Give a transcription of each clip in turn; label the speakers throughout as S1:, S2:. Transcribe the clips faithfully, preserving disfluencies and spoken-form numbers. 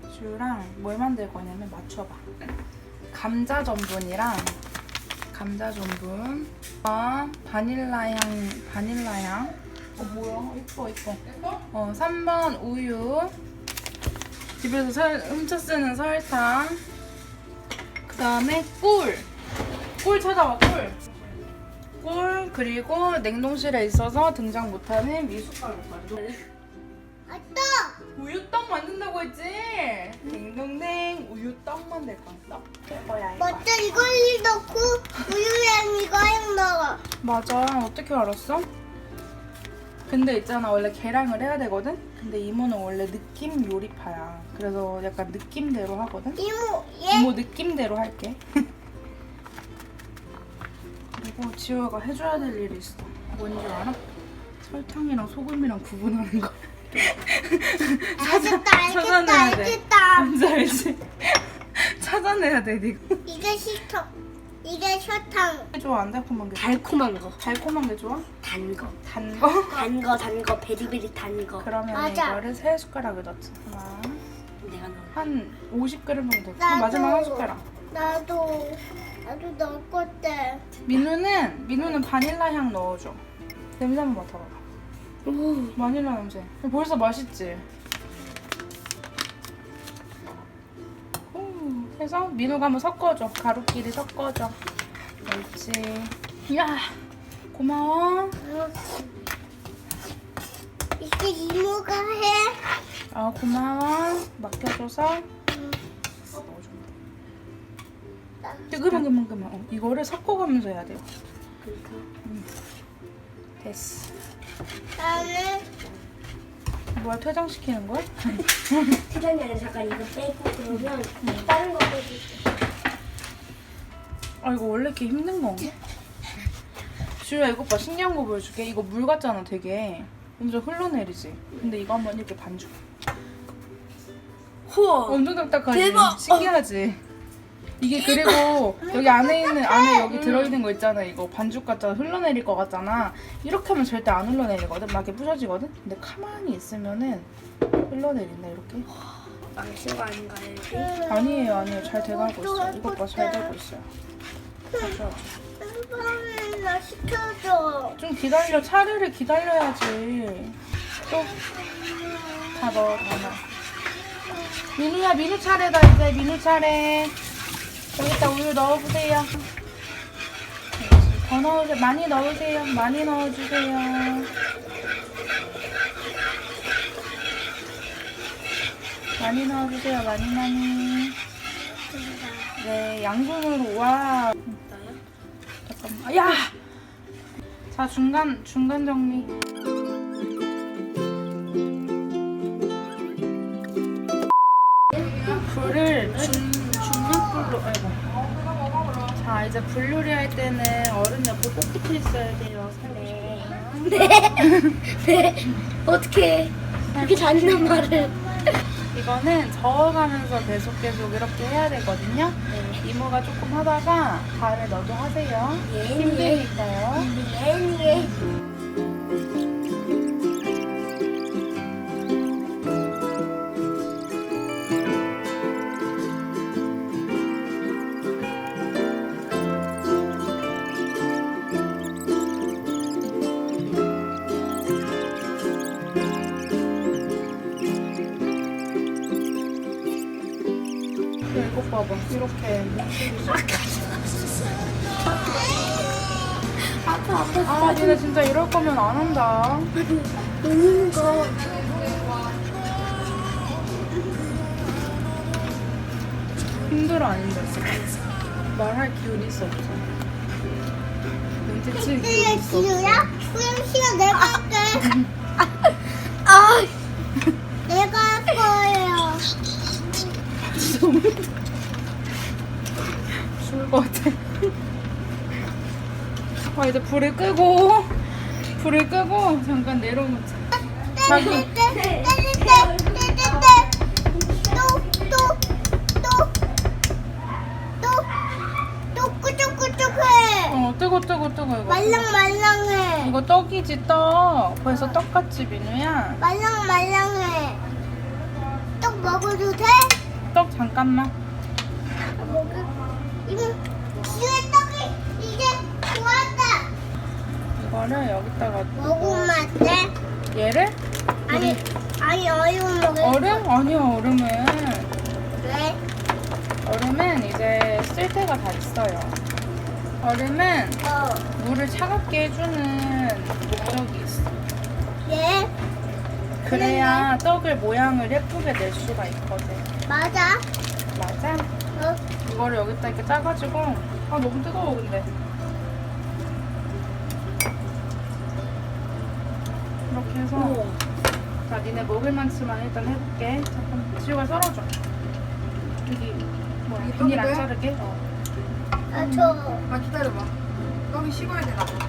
S1: 주랑 뭘 만들 거냐면 맞춰봐. 감자 전분이랑 감자 전분, 아, 바닐라 향, 바닐라 향. 어 뭐야? 이뻐 이뻐. 어 삼 번 우유. 집에서 설, 훔쳐 쓰는 설탕. 그 다음에 꿀. 꿀 찾아봐 꿀. 꿀 그리고 냉동실에 있어서 등장 못하는 미숫가루까지.
S2: 아빠!
S1: 우유떡 만든다고 했지? 딩동댕 우유떡 만들 거야. 이거야 이거.
S2: 먼저 이걸 넣고 우유랑 이거랑 넣어.
S1: 맞아. 어떻게 알았어? 근데 있잖아 원래 계량을 해야 되거든? 근데 이모는 원래 느낌 요리파야. 그래서 약간 느낌대로 하거든?
S2: 이모, 얘
S1: 이모 느낌대로 할게. 그리고 지호가 해줘야 될 일이 있어. 뭔지 알아? 설탕이랑 소금이랑 구분하는 거.
S2: 알겠다, 알겠다,
S1: 찾아내야 돼.
S2: 알겠다.
S1: 뭔지 알지? 찾아내야 돼, 니가.
S2: 이게 식초, 이게 설탕.
S1: 좋아, 안 달콤한 게 좋아?
S3: 달콤한 거,
S1: 달콤한 게 좋아?
S3: 단 거,
S1: 단 거?
S3: 단 거, 단 거, 베리베리 단 거.
S1: 그러면
S2: 맞아.
S1: 이거를 세 숟가락을 넣자. 하나,
S3: 내가 넣어.
S1: 한 오십 그램 정도.
S2: 나도.
S1: 마지막 한 숟가락.
S2: 나도, 나도 넣을 건데.
S1: 민우는, 민우는 바닐라 향 넣어줘. 냄새 한번 맡아봐.
S3: 오,
S1: 바닐라 냄새. 벌써 맛있지? 오, 해서 민우가 한번 섞어줘. 가루끼리 섞어줘. 옳지. 야, 고마워.
S2: 이게 이모가 해.
S1: 아, 고마워. 맡겨줘서. 근데 그만 그만 그만. 어, 이거를 섞어가면서 해야 돼요.
S3: 그러니까.
S1: 됐어.
S2: 나는
S1: 뭐야, 퇴장시키는 거야?
S3: 세상에 아니라 잠깐 이거 빼고 그러면 다른 거 빼고.
S1: 아, 이거 원래 이렇게 힘든 건가? 주야, 이거 봐. 신기한 거 보여줄게. 이거 물 같잖아, 되게. 엄청 흘러내리지? 근데 이거 한번 이렇게 반죽.
S3: 우와.
S1: 엄청 딱딱하지?
S3: 대박!
S1: 신기하지? 이게 그리고 여기 안에 있는, 안에 여기 들어있는 거 있잖아. 이거 반죽 같잖아. 흘러내릴 것 같잖아. 이렇게 하면 절대 안 흘러내리거든? 막 이렇게 부셔지거든? 근데 가만히 있으면은 흘러내린다, 이렇게.
S3: 망친 거 아닌가요? 이게?
S1: 아니에요, 아니에요. 잘 돼가고 있어요. 이것 봐, 잘 되고 있어요. 잠시만.
S2: 햄버거 나 시켜줘.
S1: 좀 기다려. 차례를 기다려야지. 또. 다 넣어, 다 넣어. 민우야, 민우 차례다, 이제. 민우 차례. 여기다 우유 넣어보세요. 더 넣으세요. 많이 넣으세요. 많이 넣어주세요. 많이 넣어주세요. 많이 많이. 네, 양손으로. 와.
S3: 나요?
S1: 잠깐만. 야! 자, 중간, 중간 정리. 불을 중, 중약불로, 아이고. 자, 이제 불 요리할 때는 어른 옆에 꼭 붙어 있어야 돼요, 살에.
S3: 네. 네. 어떻게 그렇게 잔인한 말을?
S1: 이거는 저어가면서 계속 계속 이렇게 해야 되거든요.
S3: 네.
S1: 이모가 조금 하다가 다음에 너도 하세요.
S3: 예.
S1: 힘드니까요.
S3: 네.
S1: 이거 봐봐. 이렇게.
S3: 아파 아파.
S1: 아, 니네 진짜 이럴 거면 안 한다.
S3: 웃는 거.
S1: 힘들어, 안 힘들어? 말할 기운이 있어, 없어? 눈치칠 기운이
S2: 이게
S1: 있어, 없어?
S2: 지우야? 수영 씨가 내가 할게.
S3: 아.
S2: 내가 할 거예요.
S1: 죽을 것 같아. 아, 이제 불을 끄고, 불을 끄고, 잠깐 내려놓자. 자기.
S2: 때릴 때, 때릴 때, 때릴 때. 또, 또, 또, 또, 또 꾸덕꾸덕해.
S1: 어, 뜨거, 뜨거, 뜨거, 이거.
S2: 말랑말랑해.
S1: 이거 떡이지, 떡. 벌써 떡같지, 민우야?
S2: 말랑말랑해. 떡 먹어도 돼?
S1: 떡 잠깐만.
S2: 이거 뒤에 떡이 이제 좋았다.
S1: 이거를 여기다가
S2: 먹으면 안 돼?
S1: 얘를
S2: 아니, 아니 얼음 먹을
S1: 얼음? 아니야 얼음은
S2: 왜?
S1: 얼음은 이제 쓸 때가 다 있어요. 얼음은
S2: 어.
S1: 물을 차갑게 해주는 목적이 있어.
S2: 예?
S1: 그래야 떡을 모양을 예쁘게 낼 수가 있거든.
S2: 맞아.
S1: 맞아?
S2: 어.
S1: 이거를 여기다 이렇게 짜가지고 아 너무 뜨거워 근데 이렇게 해서 자 니네 먹을 만치만 일단 해볼게. 잠깐 지우가 썰어줘. 여기 뭐야 비닐 안 자르게? 어.
S2: 아, 저.
S4: 아 기다려봐. 떡이 식어야 되나 봐.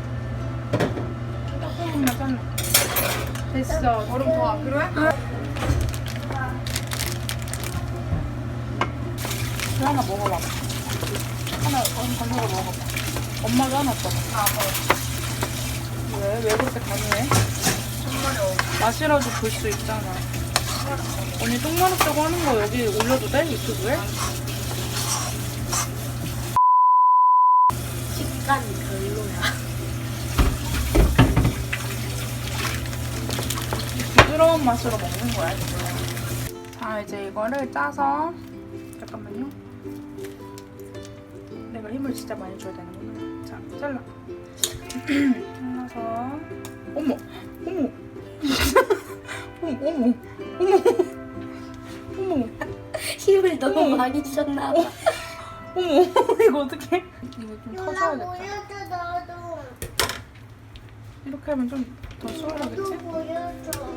S1: 조금만 잘라. 됐어.
S4: 얼음 더 안 필요해?
S1: 그 하나 먹어봐봐. 하나 얼음 건져서 먹어봐. 엄마도 하나 떠봐.
S4: 아 뭐.
S1: 왜? 왜 그렇게 강요해?
S4: 정말이 어.
S1: 맛이라도 볼 수 있잖아. 언니 똥 마렵다고 하는 거 여기 올려도 돼? 유튜브에?
S3: 식감이 별로야.
S1: 부드러운 맛으로 먹는 거야 지금. 자 이제 이거를 짜서 잠깐만요. 내가 힘을 진짜 많이 줘야 되는구나. 자 잘라. 잘라서 어머 어머 어머 어머 어머 어머
S3: 힘을 너무 많이 줬나 봐.
S1: 어머 이거 어떡해? 이거 좀
S2: 누나
S1: 터져야겠다.
S2: 보여줘, 너도.
S1: 이렇게 하면 좀 더
S2: 너도
S1: 수월하겠지?
S2: 보여줘.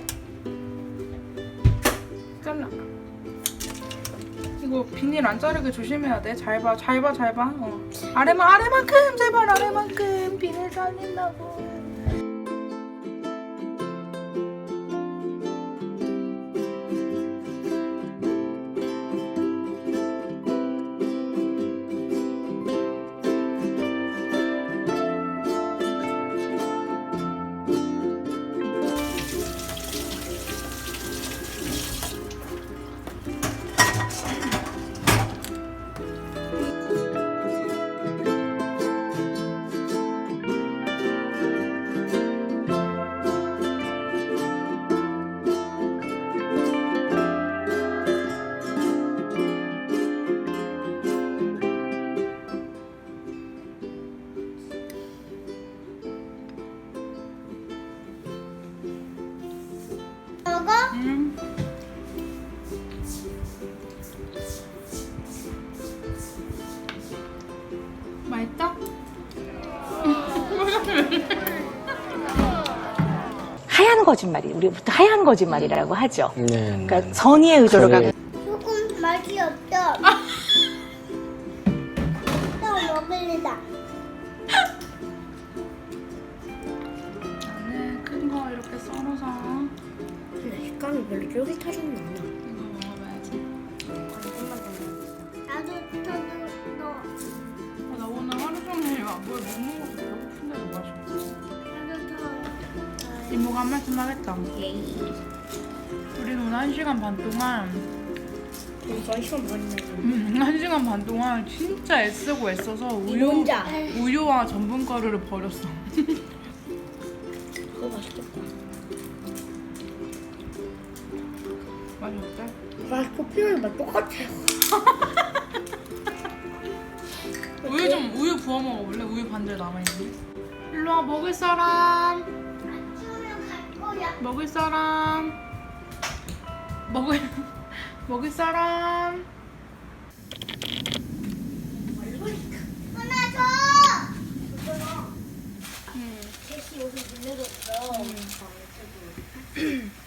S1: 잘라. 이거 비닐 안 자르게 조심해야 돼. 잘 봐, 잘 봐, 잘 봐. 어. 아래만, 아래만큼, 제발 아래만큼 비닐 잘린다고.
S2: 먹어?
S1: 음. 맛있다?
S5: 하얀 거짓말이 우리 보통 하얀 거짓말이라고 하죠.
S6: 네.
S5: 그러니까 선의의 의도로
S6: 그래.
S5: 가고
S2: 조금 맛이 없어. 또 먹을래다.
S1: 나는 큰 거 이렇게 썰어서
S3: 근데 식감이 별로 쫄깃하지는 않아.
S1: 이거 먹어봐야지.
S2: 나도 저도 너.
S1: 아, 나 오늘 하루 종일 뭘 못 먹어서 배고픈데 뭐 마셔.
S2: 나도 더.
S1: 이모가 한 말씀 하겠다. 우리 오늘 한 시간 반 동안
S3: 이거 시험 많이 나지.
S1: 음, 한 시간 반 동안 진짜 애쓰고 애써서 우유,
S3: 혼자.
S1: 우유와 전분가루를 버렸어.
S3: 그거 맛있겠다.
S1: 맛이 어때?
S3: 맛있고 피우는 맛 똑같아요.
S1: 우유 좀 우유 부어 먹어볼래? 우유 반절 남아있는데. 일로 와 먹을 사람.
S2: 아침에 갈 거야.
S1: 먹을 사람. 먹을 먹을 사람.
S2: 하나 더.
S1: 응.
S3: 셋이 여기 문제도 없어.
S1: 응.